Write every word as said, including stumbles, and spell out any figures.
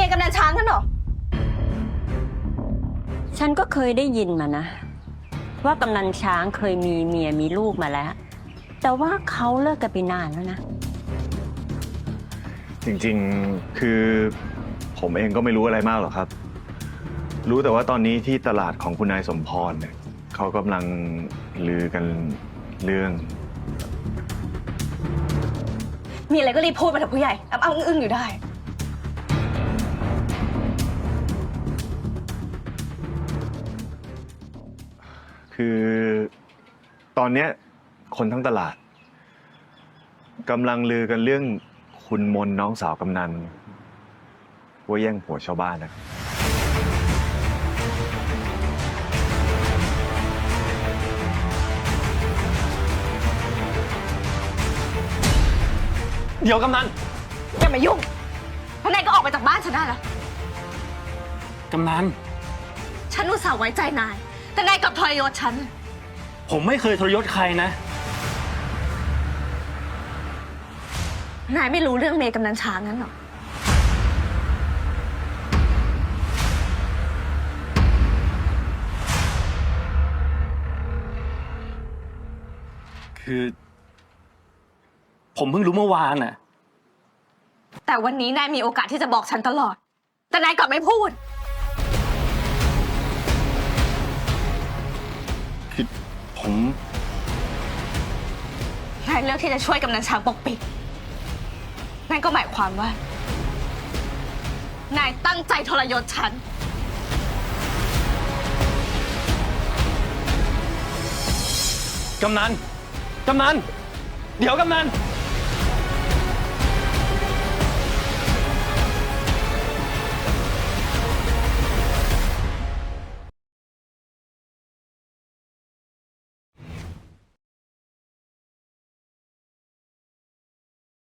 กำนันช้างนั่นหรอฉันก็เคยได้ยินมานะว่ากำนันช้างเคยมีเมียมีลูกมาแล้วแต่ว่าเขาเลิกกันไปนานแล้วนะจริงๆคือผมเองก็ไม่รู้อะไรมากหรอกครับรู้แต่ว่าตอนนี้ที่ตลาดของคุณนายสมพรเนี่ยเขากำลังลือกันเรื่องมีอะไรก็รีบพูดมาเถอะผู้ใหญ่อ้ำอ้ำอึ้งๆอยู่ได้คือตอนเนี้ยคนทั้งตลาดกำลังลือกันเรื่องคุณมนน้องสาวกำนันว่าแย่งผัวชาวบ้านนะเดี๋ยวกำนันอย่ามายุ่งท่านนายก็ออกไปจากบ้านฉันได้แล้วกำนันฉันอุตส่าห์ไว้ใจนายแต่นายกลับทรยศฉันผมไม่เคยทรยศใครนะนายไม่รู้เรื่องเมย์กำนันช้างงั้นหรอคือผมเพิ่งรู้เมื่อวานน่ะแต่วันนี้นายมีโอกาสที่จะบอกฉันตลอดแต่นายกลับไม่พูดคือผมนายเลือกที่จะช่วยกำนันช้างปกปิดนั่นก็หมายความว่า นายตั้งใจทรยศฉันกำนันกำนันเดี๋ยวกำนัน